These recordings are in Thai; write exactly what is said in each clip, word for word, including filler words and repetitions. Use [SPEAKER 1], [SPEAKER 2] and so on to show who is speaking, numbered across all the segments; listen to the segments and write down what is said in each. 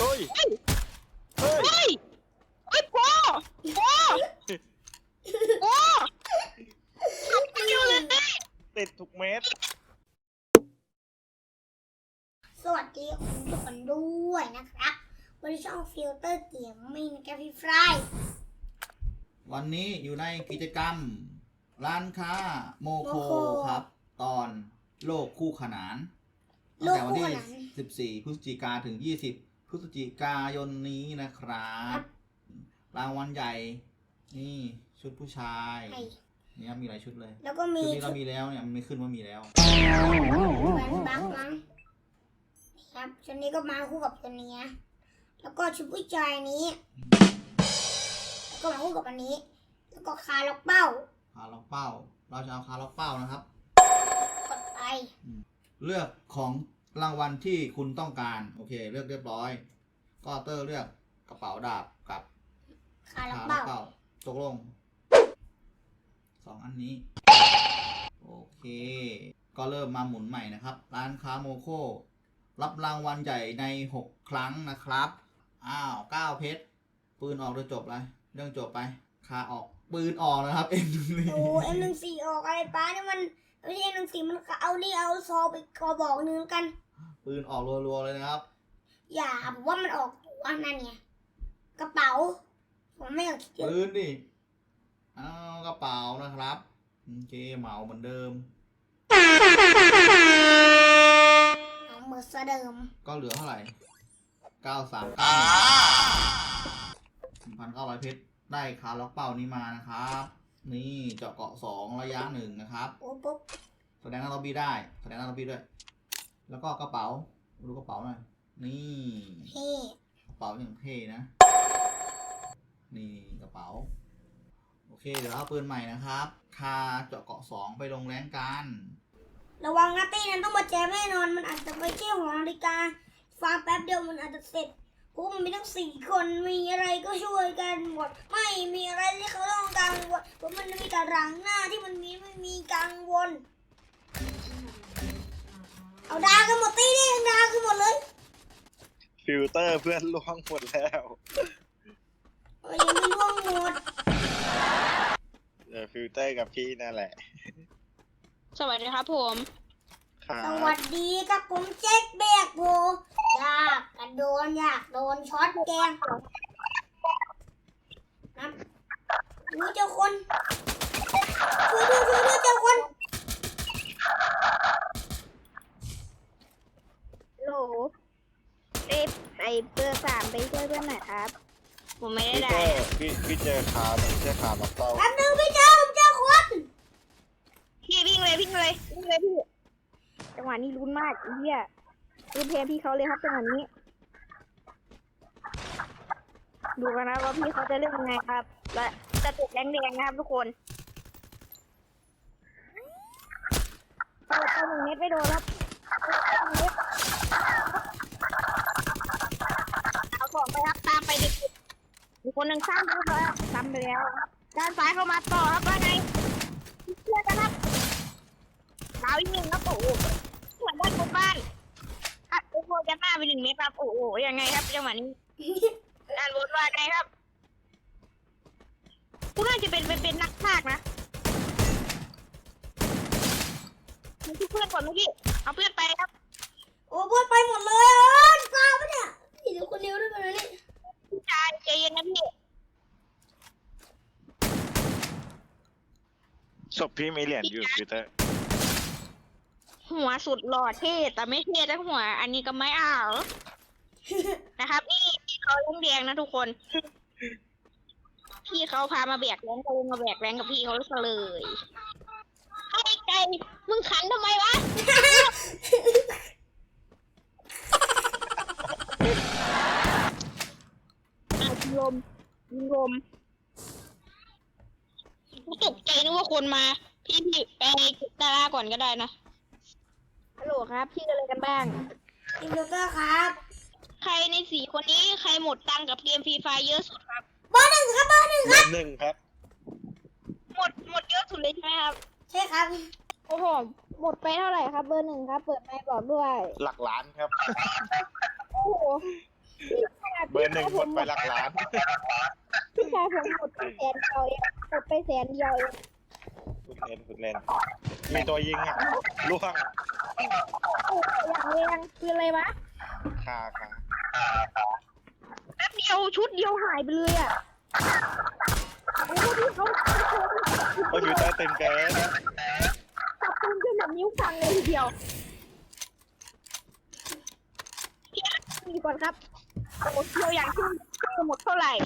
[SPEAKER 1] เฮ้ยเฮ้ย
[SPEAKER 2] เฮ้ยเฮ้ยพ่อพ่อพ่อไม่เกี่ยวเลย
[SPEAKER 1] ติดทุกเม็ด
[SPEAKER 3] สวัสดีคุณทุกคนด้วยนะครับบริช่องฟิลเตอร์เกมมิ่งกับพี่ฟราย
[SPEAKER 4] วันนี้อยู่ในกิจกรรมร้านค้าโมโคครับ ตอนโลกคู่ขนานตั้งแต่วันที่สิบสี่พฤศจิกาถึงยี่สิบพฤศจิกายนนี้นะครับรางวัลใหญ่นี่ชุดผู้ชายนี่ครับมีหลายชุดเลย
[SPEAKER 3] แล้วก็มี
[SPEAKER 4] ชุดนี้เรามีแล้วเนี่ยมันไม่ขึ้นว่ามีแล้ว
[SPEAKER 3] เหมือนบักมั้งครับชุดนี้ก็มาคู่กับตัวนี้แล้วก็ชุดผู้ชายนี้ก็มาคู่กับอันนี้แล้วก็คาล็อกเป้า
[SPEAKER 4] คาล็อกเป้าเราจะเอาคาล็อกเป้านะครับ
[SPEAKER 3] กดไป
[SPEAKER 4] เลือกของรางวัลที่คุณต้องการโอเคเลือกเรียบร้อยก็เตอร์เลือกกระเป๋าดาบกับ
[SPEAKER 3] คาล็อกเป้า
[SPEAKER 4] ตกลงสองอันนี้โอเคก็เริ่มมาหมุนใหม่นะครับร้านค้าโมโครับรางวัลใหญ่ในหกครั้งนะครับอ้าวเก้าเพชรปืนออกโดยจบเลยเรื่องจบไปคาออกปืนออกนะครับเอ็มหนึ่งสี่
[SPEAKER 3] โอ้เอ็มหนึ่งสี่ออกอะไรป้าเนี่ยมันไม่ใช่เอ็มหนึ่งสี่มันเอานี่เอาซอไปกระบอกนึงกัน
[SPEAKER 4] ปืนออกรัวๆเลยนะครับ
[SPEAKER 3] อย่าผมว่ามันออกตัวนั่นไงกระเป๋าผมไม่อยากคิด
[SPEAKER 4] ปืนดิเอากระเป๋านะครับโอเคเหมาเหมือนเดิม
[SPEAKER 3] เอาเหมือนเดิม
[SPEAKER 4] ก็เหลือเท่าไหร่เก้าสามเก้าหนึ่งพันเก้าร้อยเพชรได้คาล็อกเป้านี้มานะครับนี่เจาะเกาะสองระยะหนึ่งนะครับ
[SPEAKER 3] โอ้ปุ๊บ
[SPEAKER 4] แสดงหน้าล็อบบี้ได้แสดงหน้าล็อบบี้ด้วยแล้วก็กระเป๋าดูกระเป๋าหน่อยนี่
[SPEAKER 3] เท่
[SPEAKER 4] กระเป๋าอย่างเท่นะนี่กระเป๋าโอเคเดี๋ยวเอาปืนใหม่นะครับคาเจาะเกาะสองไปลงแรงกัน
[SPEAKER 3] ระวังนะตี้นั้นต้องมาแจมแน่นอนมันอาจจะไปเที่ยวของนาฬิกาฟังแป๊บเดียวมันอาจจะเสร็จพวกมันมีทั้งสี่คนมีอะไรก็ช่วยกันหมดไม่มีอะไรที่เขาต้องกังวลเพราะมันมีแต่หลังหน้าที่มันมีไม่มีกังวลเอาดากันหมดตี้นี่ดากันหมดเลย
[SPEAKER 1] ฟิลเตอร์เพื่อนล่วงหมดแล้ว
[SPEAKER 3] เอ้ยยังไม่ล่วงหมด
[SPEAKER 1] เออฟิลเตอร์กับพี่นั่นแหละ
[SPEAKER 2] สวัสดีครับผม
[SPEAKER 3] สวัสดีครับผมเจ๊กแบกโบอยากกระโดนอยากโดนช็อตแกงนะรู้เจ้าคนช่วยด้วยช่วยด้วยเจ้าคน
[SPEAKER 2] โหลเอฟไอเบอร์สามไปช่วยเพื่อนหน่อยครับผมไม่ได้ได้
[SPEAKER 1] พี่พี่เจอขาเจอขามาเป้า
[SPEAKER 3] แป๊บนึงพี่เจ้าผมเจ้าคน
[SPEAKER 2] พี่วิ่งเลยวิ่งเลยวิ่งเลยพี่จังหวะนี้ลุ้นมากเฮียลุ้นแทนพี่เขาเลยครับจังหวะนี้ดูกันนะว่าพี่เขาจะเล่นยังไงครับและจะติดแดงแดงนะครับทุกคนเปิดตัวหนึ่งเม็ดไม่โดนครับเอาของไปครับตามไปดิมีคนหนึ่งสร้างเข้ามาทำไปแล้วด้านซ้ายเข้ามาต่อครับว่าไงเชื่อกันครับดาวอีกหนึ่งครับโอ้โหเหมือนบ้านบ้านครับโอ้โหจะหน้าไปหนึ่งเมตรครับโอ้โหยังไงครับจังหวะนี้ด้านบนว่าไงครับผู้น่าจะเป็นเป็นนักพากย์นะมันคือเพื่อนก่อนเมื่อกี้เอาเพื่อนไปครับ
[SPEAKER 3] โอ้เพื่อนไปหมดเลยเออตายปะเนี่ยพี่เดี๋ยวคนเดียวด้วยกันเลยนี่
[SPEAKER 2] ใจใจเย็นนะพี่
[SPEAKER 1] ศพพี่มีเหรียญอยู่ฟิลเตอร์
[SPEAKER 2] หัวสุดหล่อเท่แต่ไม่เท่ทั้งหัวอันนี้ก็ไม่เอานะครับนี่พี่เขาเล่นแดงนะทุกคนพี่เขาพามาแบกแรงก็เลยมาแบกแรงกับพี่เขาเลยไอ้ไก่มึงขันทำไมวะยิงลมยิงลมกูตกใจนึกว่าคนมาพี่พี่ไปดาราก่อนก็ได้นะฮัลโหลครับพี่อะไรกันบ้าง
[SPEAKER 3] อินโดเตอร์ครับ
[SPEAKER 2] ใครในสี่คนนี้ใครหมดตังกับเกมฟรีไฟเยอะสุดครับ
[SPEAKER 3] เบอร์หนึ่งครับเบอร์หนึ่งครับ
[SPEAKER 1] หนึ่งครับ
[SPEAKER 2] หมดหมดเยอะสุดเลยใช่ไหมครับ
[SPEAKER 3] ใช่ครับ
[SPEAKER 2] โอ้โหหมดไปเท่าไหร่ครับเบอร์หนึ่งครับเปิดไมค์บอกด้วย
[SPEAKER 1] หลักล้านครับ
[SPEAKER 2] โอ้โห
[SPEAKER 1] อร์หนึ่งหมดไปหลักล้าน
[SPEAKER 2] พี่ชายผมหมดไปแสนเดียวเองหมดไปแสนเดียวเอง
[SPEAKER 1] คุณเล่นคุณเล่นมีตัวยิงอ่ะล่วง
[SPEAKER 2] อย่างแรงคืออะไรวะ
[SPEAKER 1] คาคา
[SPEAKER 2] แป๊บเดียวชุดเดียวหายไปเลยอ่ะโอ้พี่เขา
[SPEAKER 1] โอ้ยฟิวเตอร์ตึงเกิน
[SPEAKER 2] จับปืนจนแบบนิ้วพังเลยทีเดียวดีก่อนครับโอ้เดียวอย่างที่จะหมดเท่าไหร่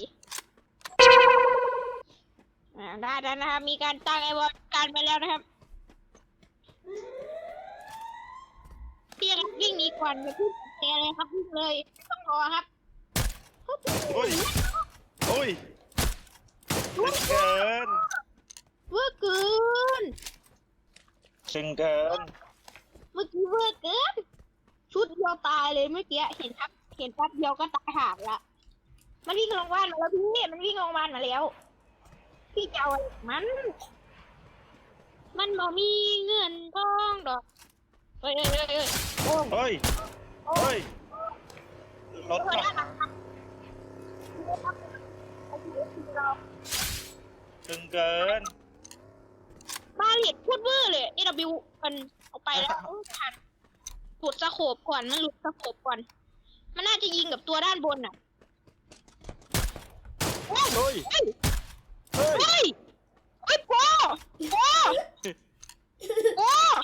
[SPEAKER 2] อ่าได้แล้วนะครับมีการตั้งไอ้บอลการไปแล้วนะครับเพียงวิ่งหนีก่อนอย่าเพิ่งเตะเลยครับวิ่งเลยไม่ต้องรอครับ
[SPEAKER 1] โอ้ยโอ้ยตึงเกิน
[SPEAKER 2] เวอร์เกิน
[SPEAKER 1] ตึงเกิน
[SPEAKER 2] เมื่อกี้เวอร์เกินชุดเดียวตายเลยเมื่อกี้เห็นครับเห็นแป๊บเดียวก็ตายห่างละมันวิ่งลงบ้านมาแล้วพี่มันวิ่งลงบ้านมาแล้วพี่จะเอาอะไรกับมัน มันบ่มีเงินทองดอกเฮ้ยเฮ้ยเฮ้ยเฮ้ยโอ้
[SPEAKER 1] เฮ้ยเฮ้ยรถ
[SPEAKER 2] เฮ้ย
[SPEAKER 1] อะ
[SPEAKER 2] น่ารักครับเรา
[SPEAKER 1] ตึงเกิน
[SPEAKER 2] บาเลตพูดเวอร์เลย เอ ดับเบิลยู มันเอาไปแล้วโอ้ทันหลุดสะโขบก่อนมันหลุดสะโขบก่อนมันน่าจะยิงกับตัวด้านบนอ่ะโอ้ย
[SPEAKER 1] เฮ้ย
[SPEAKER 2] เฮ้ย
[SPEAKER 1] เฮ้ย
[SPEAKER 2] เฮ้ยเฮ้ยโปโปโป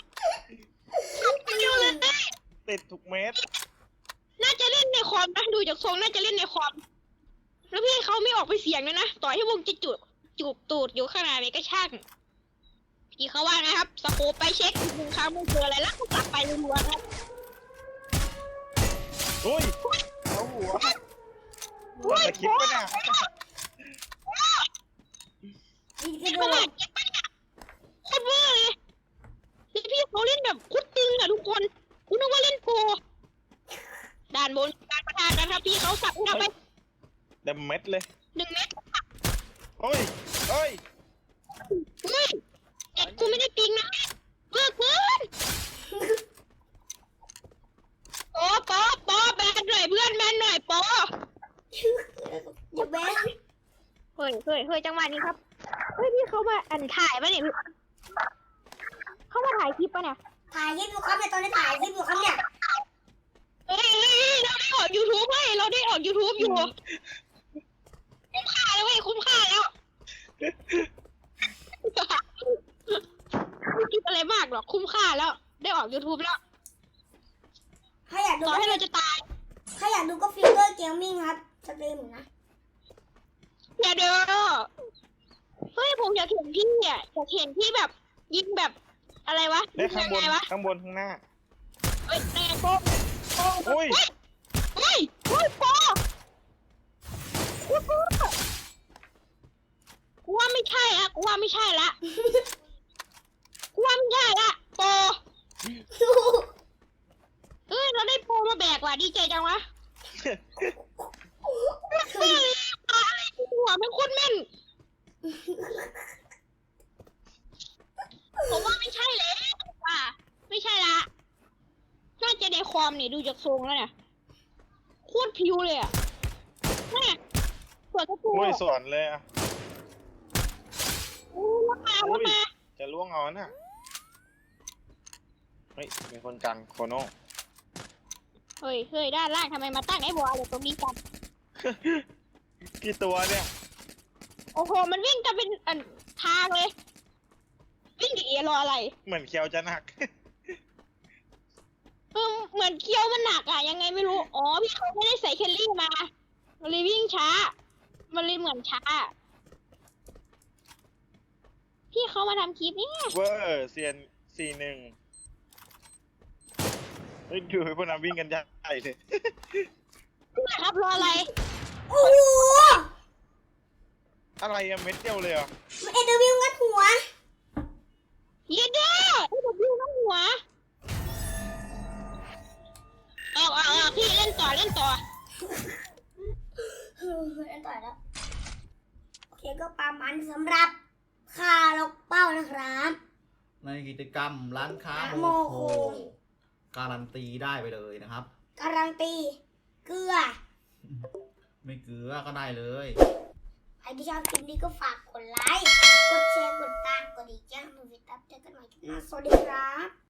[SPEAKER 2] เร็วเลย
[SPEAKER 1] ติดทุกเม็ด
[SPEAKER 2] น่าจะเล่นในคอมนะดูจากทรงน่าจะเล่นในคอมแล้วพี่เขาไม่ออกไปเสียงเลยนะต่อให้วงจะจุดจูบตูดอยู่ข้างในก็ช่างพี่เขาว่าไงครับสโคปไปเช็คหนึ่งครั้งไม่เจออะไรแล้วก็กลับไปรัวๆครับ
[SPEAKER 1] โอ้ยเอาหัวมันจะคิดปะเนี่ย
[SPEAKER 3] อีกก
[SPEAKER 2] นี่
[SPEAKER 3] ระโด
[SPEAKER 2] ขนา
[SPEAKER 3] ด
[SPEAKER 2] ดเก็บไปเนี่ยโคตรเวอร์เลยแล้วพี่เขาเล่นแบบโคตรตึงอะทุกคนคุณนึกว่าเล่นโปรด่านบนการประทานกันครับพี่เขาสับเข้าไป
[SPEAKER 1] เต็มเม็ดเลย
[SPEAKER 2] หนึ่งเมตร
[SPEAKER 1] เฮ้ยเฮ้ย
[SPEAKER 2] เฮ้ยเด็กกูไม่ได้ปิงนะเวอร์เกินโอ้ปอปอแบนหน่อยเพื่อนแบนหน่อยปอ
[SPEAKER 3] อย่าแบน
[SPEAKER 2] เฮ้ยเฮ้ยเฮ้ยจังหวะนี้ครับเฮ้ยพี่เขามาอันถ่ายปะเนี่ยเขามาถ่ายคลิปปะเนี่ย
[SPEAKER 3] ถ่ายคลิปอยู่ครับเนี่ยตอนนี้ถ่ายคลิปอยู่ครับเนี่ย
[SPEAKER 2] เฮ้ยเฮ้ยเฮ้ยเราได้ออก YouTube เฮ้ยเราได้ออก YouTube อยู่คุ้มค่าแล้วเว้ยคุ้มค่าแล้วไม่คิดอะไรมากหรอกคุ้มค่าแล้ว ได้ออก YouTube แล้ว
[SPEAKER 3] ถ้าอยากดู
[SPEAKER 2] ต่อ
[SPEAKER 3] ก็
[SPEAKER 2] ให้เราจะตาย
[SPEAKER 3] ถ้าอยากดูก็ฟิลเตอร์เกมมิ่งครับสตรีมอยู่นะ
[SPEAKER 2] อย่าเด้อเฮ้ยผมอยากเห็นพี่อ่ะอยากเห็นพี่แบบยิงแบบอะไรวะ
[SPEAKER 1] ได้ข้างบน
[SPEAKER 2] ยังไงวะ
[SPEAKER 1] ข้างบนข้างหน้า
[SPEAKER 2] เฮ้ยแม่โป้โป้
[SPEAKER 1] อุ้ย
[SPEAKER 2] เฮ้ยเฮ้ยโป้กูกูกูว่าไม่ใช่ละกูว่าไม่ใช่ละกูว่าไม่ใช่ละโปเฮ้ยเราได้โปมาแบกว่ะดีใจจังวะเฮ้ยอะไรหัวมันโคตรแม่นผมว่าไม่ใช่เลยว่ะไม่ใช่ละน่าจะในคอมนี่ดูจากทรงแล้วเนี่ยโคตรผิวเลยอ่ะแม่สวยกระปู
[SPEAKER 1] โอ้ยสวนเลยอ่ะ
[SPEAKER 2] โอ้ยมา
[SPEAKER 1] อุ้ย
[SPEAKER 2] มา
[SPEAKER 1] จะล่วงเอาน่ะเฮ้ยมีคนกลางโคโน่
[SPEAKER 2] เฮ้ยเฮ้ยด้านล่างทำไมมาตั้งไอ้บอลอยู่ตรงนี้กัน
[SPEAKER 1] กี่ตัวเนี่ย
[SPEAKER 2] โอ้โหมันวิ่งกันเป็นอันทางเลยวิ่งดีเอรออะไร
[SPEAKER 1] เหมือนเคียวจะหนัก
[SPEAKER 2] เออเหมือนเคี้ยวมันหนักอะยังไงไม่รู้อ๋อพี่เขาไม่ได้ใส่เคลลี่มามันเลยวิ่งช้ามันเลยเหมือนช้าพี่เขามาทำคลิปนี่
[SPEAKER 1] เวอร์เซียนสี่หนึ่งเฮ้ยดูพวกนั้นวิ่งกันใหญ่เลย
[SPEAKER 2] ครับรออะไร
[SPEAKER 3] โอ้โห
[SPEAKER 1] อะไรอะเม็ดเดียวเลยเหรอ่ะ
[SPEAKER 3] มันเอ็นเดอร์วิวงัดหัว
[SPEAKER 2] เย็ดเด้อไอ้แบบวิ่งน้ำหัวออกออกออกพี่เล่นต่อเล่นต่อ
[SPEAKER 3] เออเล่นต่อแล้วโอเคก็ประมาณสำหรับคาล็อกเป้านะครับ
[SPEAKER 4] ในกิจกรรมร้านค้า
[SPEAKER 3] โม
[SPEAKER 4] โม
[SPEAKER 3] โค
[SPEAKER 4] โคการันตีได้ไปเลยนะครับ
[SPEAKER 3] การันตีเกลือ
[SPEAKER 4] ไม่เกลือก็ได้เลย
[SPEAKER 3] ใครที่ชอบคลิปนี้ก็ฝากกดไลค์ กดแชร์ กดตาม กดอีกแจ้งมือวิตับเจอกันใหม่คลิปหน้าสวัสดีครับ